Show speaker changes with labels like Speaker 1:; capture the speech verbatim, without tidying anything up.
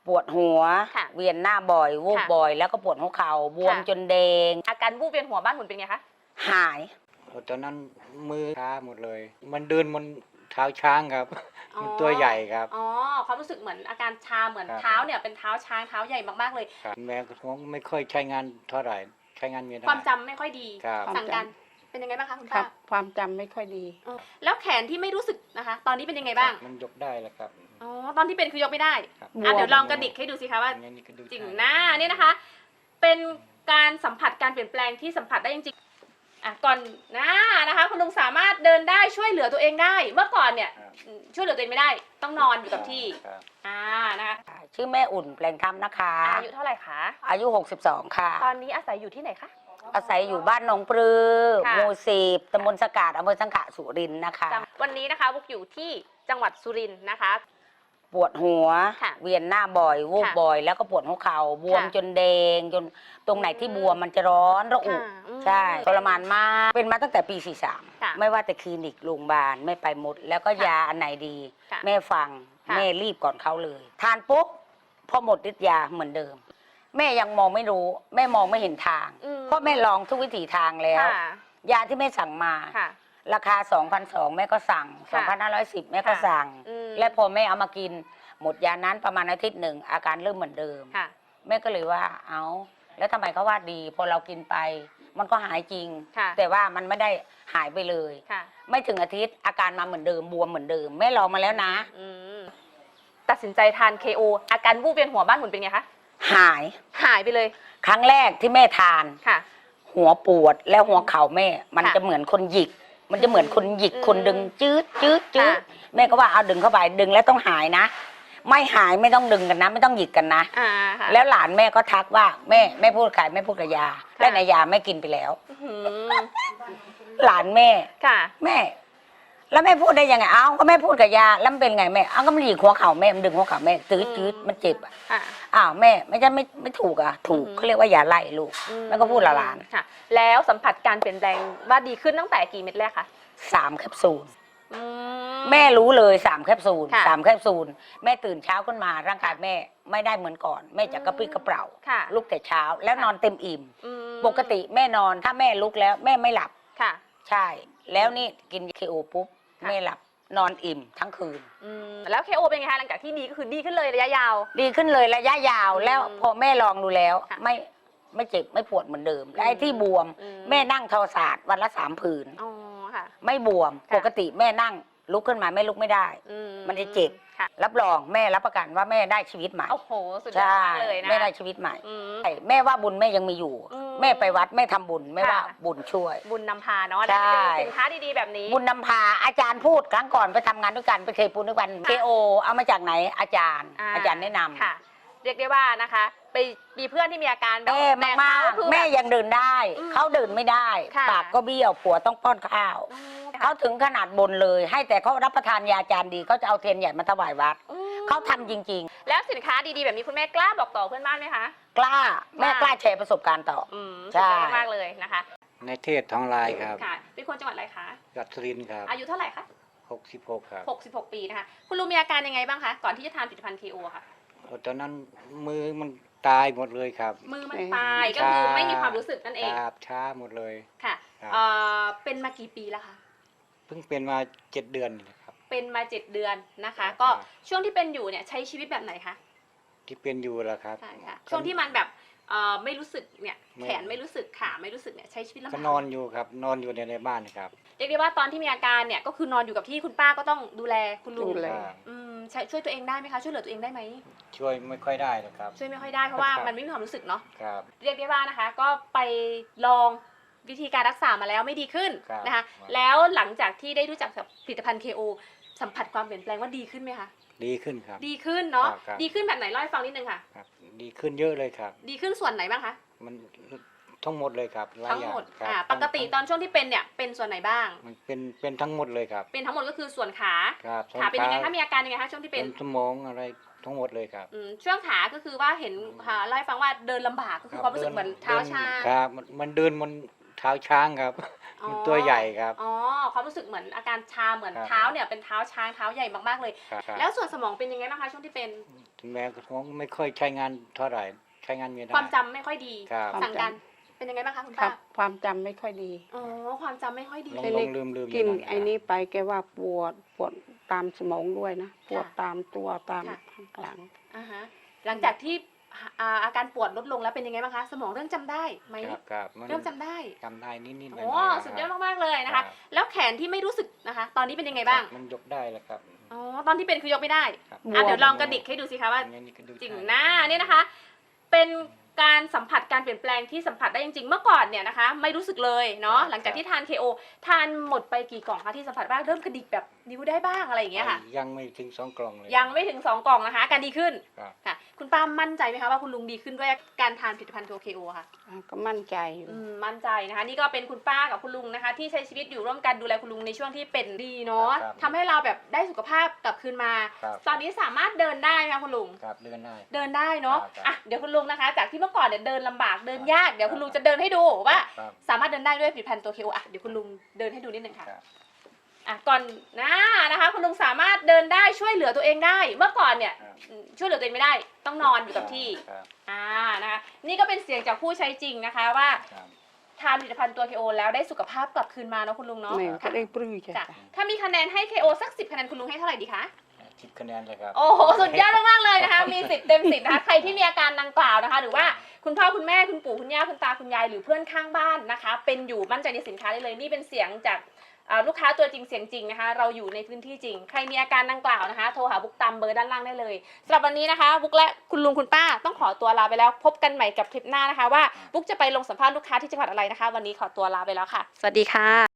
Speaker 1: ปวดหัว
Speaker 2: ค่ะ
Speaker 1: เวียนหน้าบ่อยวูบ
Speaker 2: ค่ะ
Speaker 1: บ่อย แล้วก็ปวดหัวเข่าบวม
Speaker 2: ค่ะ
Speaker 1: จนแดง
Speaker 2: อาการวูบเวียนหัวบ้านหมุนเป็นไงคะ
Speaker 1: หาย
Speaker 3: ตอนนั้นมือช้าหมดเลย มันเดินบนเท้าช้างครับ
Speaker 2: อ๋อ
Speaker 3: มันตัวใหญ่ครับ
Speaker 2: อ๋อความรู้สึกเหมือนอาการชาเหมือน
Speaker 3: ครับ
Speaker 2: เท้าเนี่ยเป็นเท้าช้างเท้าใหญ่มากๆเลย
Speaker 3: ครับแม่ก็ไม่ค่อยใช้งานเท่าไหร่ใช้งานไม่ได้
Speaker 2: ความจำไม่ค่อยดี
Speaker 3: ครับ
Speaker 2: สั่งการเป็นยังไงบ้างคะคุณ
Speaker 4: ครั
Speaker 2: ป้า
Speaker 4: บความจำไม่ค่อยดี
Speaker 2: เออแล้วแขนที่ไม่รู้สึกนะคะ ตอนนี้เป็นยังไงบ้าง
Speaker 3: มันยกได้แล้วครับ
Speaker 2: อ๋อตอนที่เป็นคือยกไม่ได้
Speaker 3: ครับ
Speaker 2: อ่ะเดี๋ยวลองกระดิกให้ดูสิคะว่า
Speaker 3: อย่างนี้ก็ดู
Speaker 2: จริง
Speaker 3: ได้
Speaker 2: หน้าเนี่ยนะคะ เป็นการสัมผัสการเปลี่ยนแปลงที่สัมผัสได้จริงๆอ่ะก่อนหน้านะคะ คุณลุงสามารถเดินได้ช่วยเหลือตัวเองได้ เมื่อก่อนเนี่ย
Speaker 3: ครับ
Speaker 2: ช่วยเหลือตัวเองไม่ได้ ต้องนอนอยู่กับที่
Speaker 3: ครับ
Speaker 2: อ่านะคะ
Speaker 1: ชื่อแม่อุ่นแปลงคำนะคะ
Speaker 2: อายุเท่าไหร่คะ
Speaker 1: อายุ หกสิบสอง ค่ะ
Speaker 2: ตอนนี้อาศัยอยู่ที่ไหนคะ
Speaker 1: อาศัยอยู่บ้านหนองปลือ
Speaker 2: ค่ะ
Speaker 1: หมู่สิบตำบลสกาดอำเภอสังขะสุรินทร์นะคะ
Speaker 2: จังวันนี้นะคะบุกอยู่ที่จังหวัดสุรินทร์นะคะ
Speaker 1: ปวดหัว
Speaker 2: ค่ะ
Speaker 1: เวียนหน้าบ่อยวูบ
Speaker 2: ค่ะ
Speaker 1: บ่อย แล้วก็ปวดหัวเข่าบวม
Speaker 2: ค่ะ
Speaker 1: จนแดงจนตรงไหนที่
Speaker 2: อืม
Speaker 1: บวมมันจะร้อนระอุ
Speaker 2: ค่ะอืม
Speaker 1: ใช่ทรมานมากเป็นมาตั้งแต่ปี สี่สิบสาม
Speaker 2: ค่ะ
Speaker 1: ไม่ว่าแต่คลินิกโรงพยาบาลไม่ไปหมด แล้วก็
Speaker 2: ค่ะ
Speaker 1: ยาอันไหนดี
Speaker 2: ค่ะ
Speaker 1: แม่ฟัง
Speaker 2: ค่ะ
Speaker 1: แม่รีบก่อนเขาเลย ทานปุ๊บพอหมดฤทธิ์ยาเหมือนเดิม แม่ยังมองไม่รู้ แม่มองไม่เห็นทาง
Speaker 2: อืม
Speaker 1: เพราะแม่ลองทุกวิถีทางแล้ว
Speaker 2: ค่ะ
Speaker 1: ยาที่แม่สั่งมา
Speaker 2: ค่ะ
Speaker 1: ราคา สองพันสองร้อย แม่ก็สั่ง
Speaker 2: ค่ะ
Speaker 1: สองพันห้าร้อยสิบ แม่ก็
Speaker 2: ค่ะ
Speaker 1: สั่ง
Speaker 2: อืม
Speaker 1: และพอแม่เอามากิน หมดยานั้นประมาณอาทิตย์หนึ่งอาการเริ่มเหมือนเดิม
Speaker 2: ค่ะ
Speaker 1: แม่ก็เลยว่าเอาแล้วทำไมเขาว่าดี พอเรากินไป มันก็หายจริง
Speaker 2: ค่ะ
Speaker 1: แต่ว่ามันไม่ได้หายไปเลย
Speaker 2: ค่ะ
Speaker 1: ไม่ถึงอาทิตย์อาการมาเหมือนเดิมบวมเหมือนเดิมแม่ลองมาแล้วนะ
Speaker 2: อืมตัดสินใจทาน เค โอ อาการวูบเวียนหัวบ้านหมุนเป็นไงคะ
Speaker 1: หาย
Speaker 2: หายไปเลย
Speaker 1: ครั้งแรกที่แม่ทาน
Speaker 2: ค่ะ
Speaker 1: หัวปวดแล้วหัวเข่าแม่ มัน
Speaker 2: ค่ะ
Speaker 1: จะเหมือนคนหยิก มันจะเหมือนคนหยิก
Speaker 2: อืม
Speaker 1: คนดึงจืดจืดจืด
Speaker 2: ค่ะ
Speaker 1: แม่ก็ว่าเอาดึงเข้าไปดึงแล้วต้องหายนะ ไม่หายไม่ต้องดึงกันนะ ไม่ต้องหยิกกันนะ
Speaker 2: อ่าค่ะ
Speaker 1: แล้วหลานแม่ก็ทักว่าแม่แม่พูดขายแม่พูดกับยา และในยาแม่กินไปแล้ว
Speaker 2: อื้อหือ
Speaker 1: หลานแม่
Speaker 2: ค่ะ
Speaker 1: แม่ แล้วแม่พูดได้ยังไงเอ้าก็แม่พูดกับยาแล้วมันเป็นไงแม่เอ้าก็มันหยิกหัวเข่าแม่มันดึงหัวเข่าแม่จืดจืดมันเจ็บอ่ะ
Speaker 2: ค่ะ
Speaker 1: อ้าวแม่ไม่ใช่ไม่ไม่ถูกอ่ะถูก
Speaker 2: อืม
Speaker 1: เขาเรียกว่าอย่าไล่ลูก
Speaker 2: อืม
Speaker 1: แล้วก็พูดละหลาน
Speaker 2: ค่ะ แล้วสัมผัสการเปลี่ยนแปลงว่าดีขึ้นตั้งแต่กี่เม็ดแรกคะ
Speaker 1: สามแคปซูล
Speaker 2: อื
Speaker 1: แม่รู้เลยสามแคปซูล
Speaker 2: ค่ะ
Speaker 1: สามแคปซูลแม่ตื่นเช้าขึ้นมาร่างกายแม่ไม่ได้เหมือนก่อน แม่จะกระปรี้กระเปร่า
Speaker 2: ค่ะ
Speaker 1: ลุกแต่เช้าแล้วนอนเต็มอิ่ม
Speaker 2: อืม
Speaker 1: ปกติแม่นอนถ้าแม่ลุกแล้วแม่ไม่หลับ
Speaker 2: ค่ะ
Speaker 1: ใช่ แล้วนี่กินเคโอปุ๊บ
Speaker 2: ค่ะ
Speaker 1: แม่หลับนอนอิ่มทั้งคืน
Speaker 2: อืมแล้ว เค โอ เป็นไงคะหลังจากที่ดีก็คือดีขึ้นเลยระยะยาว
Speaker 1: ดีขึ้นเลยระยะยาว
Speaker 2: อืม
Speaker 1: แล้วพอแม่ลองดูแล้ว
Speaker 2: ค่ะ
Speaker 1: ไม่ไม่เจ็บไม่ปวดเหมือนเดิม และไอ้
Speaker 2: อืม
Speaker 1: ที่บวม
Speaker 2: อืม
Speaker 1: แม่นั่งทอศาสตร์วันละสามผืน
Speaker 2: อ๋อค่ะ
Speaker 1: ไม่บวม
Speaker 2: ค่ะ
Speaker 1: ปกติแม่นั่งลุกขึ้นมาแม่ลุกไม่ได้
Speaker 2: อื
Speaker 1: มันจะเจ็บ
Speaker 2: ค่ะ
Speaker 1: รับรองแม่รับประกันว่าแม่ได้ชีวิตใหม่
Speaker 2: โอ้โหสุดยอด
Speaker 1: ใช่
Speaker 2: มากเลยนะ
Speaker 1: แม่ได้ชีวิตใหม่
Speaker 2: อืม
Speaker 1: ใช่แม่ว่าบุญแม่ยังมีอยู่
Speaker 2: อืม
Speaker 1: แม่ไปวัดแม่ทำบุญแม่ว่า
Speaker 2: ค่ะ
Speaker 1: บุญช่วย
Speaker 2: บุญนำพาเนาะ
Speaker 1: ใช่
Speaker 2: ได้เป็นสินค้าดีๆแบบนี้
Speaker 1: บุญนำพาอาจารย์พูดครั้งก่อนไปทำงานด้วยกันไปเคยปูนด้วยกัน
Speaker 2: ค่ะ
Speaker 1: เคโอเอามาจากไหนอาจารย์ อาจารย์แนะนำ
Speaker 2: ค่ะ เรียกได้ว่านะคะ ไปมีเพื่อนที่มีอาการแบบ
Speaker 1: แม่
Speaker 2: แต่
Speaker 1: มาก
Speaker 2: เขาคือ
Speaker 1: ๆแม่
Speaker 2: แบบ
Speaker 1: ยังเดินได้
Speaker 2: อืม
Speaker 1: เขาเดินไม่ได้
Speaker 2: ค่ะ
Speaker 1: ปากก็เบี้ยวผัวต้องป้อนข้าว
Speaker 2: อืม
Speaker 1: เขาถึงขนาดบนเลย ให้แต่เขารับประทานยาอาจารย์ดีเขาจะเอาเทียนใหญ่มาถวายวัด
Speaker 2: อืม
Speaker 1: เขาทำจริง
Speaker 2: แล้วสินค้าดีๆแบบนี้คุณแม่กล้าบอกต่อเพื่อนบ้านไหมคะ
Speaker 1: ๆ กล้าแม่
Speaker 2: ว่าก
Speaker 1: กล้าแชร์ประสบการณ์ต่อ
Speaker 2: อืม
Speaker 1: ใช่
Speaker 2: สุดยอดมากเลยนะคะ
Speaker 3: ในเทศทองลายครับ
Speaker 2: ค่ะ เป็นคนจังหวัดอะไรคะ
Speaker 3: กัตสุรินทร์ครับ
Speaker 2: อายุเท่าไหร่คะ
Speaker 3: หกสิบหกครับ
Speaker 2: หกสิบหกปีนะคะ คุณลุงมีอาการยังไงบ้างคะ ก่อนที่จะทานผลิตภัณฑ์ เค โอ ค่ะ
Speaker 3: ตอนนั้นมือมันตายหมดเลยครับ
Speaker 2: มือมัน
Speaker 4: เอ๊ะ
Speaker 2: ตายก็คือไม่มีความรู้สึกนั่นเอง
Speaker 3: ครับช้าหมดเลย
Speaker 2: ค่ะ
Speaker 3: ครับ
Speaker 2: เอ่อเป็นมากี่ปีแล้วคะ
Speaker 3: เพิ่งเป็นมาเจ็ดเดือนนี่นะครับ
Speaker 2: เป็นมาเจ็ดเดือนนะคะ
Speaker 3: ครับ
Speaker 2: ก็ช่วงที่เป็นอยู่เนี่ยใช้ชีวิตแบบไหนคะ
Speaker 3: ที่เป็นอยู่แล้วครับ
Speaker 2: ใช่ค่ะ ช่วงที่มันแบบเอ่อไม่รู้สึกเนี่ย
Speaker 3: ไม่
Speaker 2: แขนไม่รู้สึกขาไม่รู้สึกเนี่ยใช้ชีวิตลำ
Speaker 3: ก็
Speaker 2: บาก
Speaker 3: นอนอยู่ครับ นอนอยู่ในในบ้านครับ
Speaker 2: เรียกได้ว่าตอนที่มีอาการเนี่ยก็คือนอนอยู่กับที่คุณป้าก็ต้องดูแลคุณลุง
Speaker 4: ดูแล
Speaker 3: ครับ
Speaker 2: อืมใช้ช่วยตัวเองได้ไหมคะช่วยเหลือตัวเองได้ไหม
Speaker 3: ช่วยไม่ค่อยได้หรอกครับ
Speaker 2: ช่วยไม่ค่อยได้เพราะว่า
Speaker 3: ครับ
Speaker 2: มันไม่มีความรู้สึกเนาะ
Speaker 3: ครับ
Speaker 2: เรียกได้ว่านะคะ ก็ไปลองวิธีการรักษามาแล้วไม่ดีขึ้น
Speaker 3: ครับ
Speaker 2: นะคะ
Speaker 3: ครับ
Speaker 2: แล้วหลังจากที่ได้รู้จักกับผลิตภัณฑ์ เค โอ สัมผัสความเปลี่ยนแปลงว่าดีขึ้นไหมคะ
Speaker 3: ดีขึ้นครับ
Speaker 2: ดีขึ้นเนาะ
Speaker 3: ครับครับ
Speaker 2: ดีขึ้นแบบไหนเล่าให้ฟังนิดนึงค่ะ
Speaker 3: ครับ ดีขึ้นเยอะเลยครับ
Speaker 2: ดีขึ้นส่วนไหนบ้างคะ
Speaker 3: มันทั้งหมดเลยครับลาย
Speaker 2: ทั้ง
Speaker 3: อย่า
Speaker 2: หมด
Speaker 3: ครับ
Speaker 2: อ่าปกติตอนช่วงที่เป็นเนี่ยเป็นส่วนไหนบ้าง
Speaker 3: มันเป็นเป็นทั้งหมดเลยครับ
Speaker 2: เป็นทั้งหมดก็คือส่วนขา
Speaker 3: ครับ
Speaker 2: ขาเป็นยังไง
Speaker 3: ส้
Speaker 2: คะ
Speaker 3: น
Speaker 2: มีอาการยังไงคะช่วงที่
Speaker 3: เป็
Speaker 2: เป็น
Speaker 3: นสมองอะไรทั้งหมดเลยครับ
Speaker 2: อืมช่วงขาก็คือว่าเห็นค่ะเล่าให้ฟังว่าเดินลำบากก็คือความรู้สึกเหมือนเท้าชา
Speaker 3: ครับมันมันเดินบนเท้าช้างครับ
Speaker 2: อ๋อ
Speaker 3: มันตัวใหญ่ครับ
Speaker 2: อ๋อความรู้สึกเหมือนอาการชาเหมือน
Speaker 3: ครับ
Speaker 2: เท้าเนี่ยเป็นเท้าช้างเท้าใหญ่มากๆเลย
Speaker 3: ครับ
Speaker 2: แล้วส่วนสมองเป็นยังไงบ้างคะช่วงที่เป็น
Speaker 3: สถึงแม้กระทั่งไม่ค่อยใช้งานเท่าไหร่ใช้งานไม่ได้
Speaker 2: ความจำไม่ค่อยดี
Speaker 3: ครับ
Speaker 2: สั่งการเป็นยังไงบ้างคะคุณ
Speaker 4: ครั
Speaker 2: ป้า
Speaker 4: บความจำไม่ค่อยดี
Speaker 2: อ๋อความจำไม่ค่อยดี
Speaker 3: ลง
Speaker 4: เป็น
Speaker 3: ล
Speaker 4: เล็
Speaker 3: งลืมลืม
Speaker 4: กิน
Speaker 3: ยู่ะ
Speaker 4: ไอ้นี้ไปแกว่าปวดปวดตามสมองด้วยนะปวด
Speaker 2: ค่ะ
Speaker 4: ตามตัวตาม
Speaker 2: ค่ะ
Speaker 4: ข้างหลัง
Speaker 2: อ่าฮะหลังจากที่อ่าอาการปวดลดลงแล้วเป็นยังไงบ้างคะ สมองเริ่มจำได้ไหม
Speaker 3: ครับครับมัน
Speaker 2: เริ่มจำได้
Speaker 3: จำได้นิดนิดๆหน่อย
Speaker 2: โอ้
Speaker 3: ๆนะครับ
Speaker 2: สุดยอดมากๆเลยนะ
Speaker 3: ครั
Speaker 2: คะ
Speaker 3: บ
Speaker 2: แล้วแขนที่ไม่รู้สึกนะคะ ตอนนี้เป็นยังไงบ้าง
Speaker 3: ครับมันยกได้แล้วครับ
Speaker 2: อ๋อตอนที่เป็นคือยกไม่ได้
Speaker 3: ครับ
Speaker 2: อ่ะเดี๋ยวลองกระดิกให้ดูสิคะว่า
Speaker 3: อย่งนี้ก็ดู
Speaker 2: จริง
Speaker 3: ได้
Speaker 2: หน้าเนี่ยนะคะ เป็นการสัมผัสการเปลี่ยนแปลงที่สัมผัสได้จริงๆ เมื่อก่อนเนี่ยนะคะ ไม่รู้สึกเลยเนาะ หลังจากที่ทาน เค โอ ทานหมดไปกี่กล่องคะที่สัมผัสบ้าง เริ่มกระดิกแบบนิ้วได้บ้างอะไรอย่างเงี้ยค่ะ
Speaker 3: ยังไม่ถึงสองกล่องเลย
Speaker 2: ยังไม่ถึงสองกล่องนะคะอาการดีขึ้น
Speaker 3: ครับ
Speaker 2: ค่ะ คุณป้ามั่นใจไหมคะว่าคุณลุงดีขึ้นด้วยการทานผลิตภัณฑ์ตัว เค โอ ค่ะ
Speaker 4: อ่ะก็มั่นใจอยู่
Speaker 2: อืมมั่นใจนะคะ นี่ก็เป็นคุณป้ากับคุณลุงนะคะ ที่ใช้ชีวิตอยู่ร่วมกันดูแลคุณลุงในช่วงที่เป็นดีเนาะ
Speaker 3: ครับ
Speaker 2: ทำให้เราแบบได้สุขภาพกลับคืนมา
Speaker 3: ครับ
Speaker 2: ตอนนี้สามารถเดินได้ไหมคะคุณลุง
Speaker 3: ครับเดินได้
Speaker 2: เดินได้เนาะ
Speaker 3: ครับ
Speaker 2: อ่ะเดี๋ยวคุณลุงนะคะ จากที่เมื่อก่อนเนี่ยเดินลำบากเดินยากเดี๋ยวคุณลุงจะเดินให้ดูว่า
Speaker 3: ครับ
Speaker 2: สามารถเดินได้ด้วยผลิตภัณฑ์ตัว เค โอ อ่ะเดี๋ยวคุณลุงเดินให้ดูนิดนึงค่ะ
Speaker 3: ครับ
Speaker 2: อ่ะก่อนหน้านะคะ คุณลุงสามารถเดินได้ช่วยเหลือตัวเองได้ เมื่อก่อนเนี่ย
Speaker 3: ครับ
Speaker 2: อืมช่วยเหลือตัวเองไม่ได้ ต้องนอนอยู่กับที่
Speaker 3: ครับ
Speaker 2: อ่านะคะนี่ก็เป็นเสียงจากผู้ใช้จริงนะคะว่า
Speaker 3: ครับ
Speaker 2: ทานผลิตภัณฑ์ตัว เค โอ แล้วได้สุขภาพกลับคืนมาเนาะคุณลุงเนาะ
Speaker 4: แม่ก็ได้ปลื้มใจ
Speaker 2: จ้ะถ้ามีคะแนนให้ เค โอ สักสิบคะแนนคุณลุงให้เท่าไหร่ดีคะ
Speaker 3: สิบคะแนนเลยครับ
Speaker 2: โอ้โหสุดยอดมากๆเลยนะคะมีสิบเต็มสิบนะคะใครที่มีอาการดังกล่าวนะคะ หรือว่าคุณพ่อคุณแม่คุณปู่คุณย่าคุณตาคุณยายหรือเพื่อนข้างบ้านนะคะ เป็นอยู่มั่นใจในสินค้าได้เลยนี่เป็นเสียงจากอ่าลูกค้าตัวจริงเสียงจริงนะคะ เราอยู่ในพื้นที่จริง ใครมีอาการดังกล่าวนะคะโทรหาบุ๊กตามเบอร์ด้านล่างได้เลยสำหรับวันนี้นะคะบุ๊กและคุณลุงคุณป้าต้องขอตัวลาไปแล้ว พบกันใหม่กับคลิปหน้านะคะว่าบุ๊กจะไปลงสัมภาษณ์ลูกค้าที่จังหวัดอะไรนะคะ วันนี้ขอตัวลาไปแล้วค่ะ สวัสดีค่ะ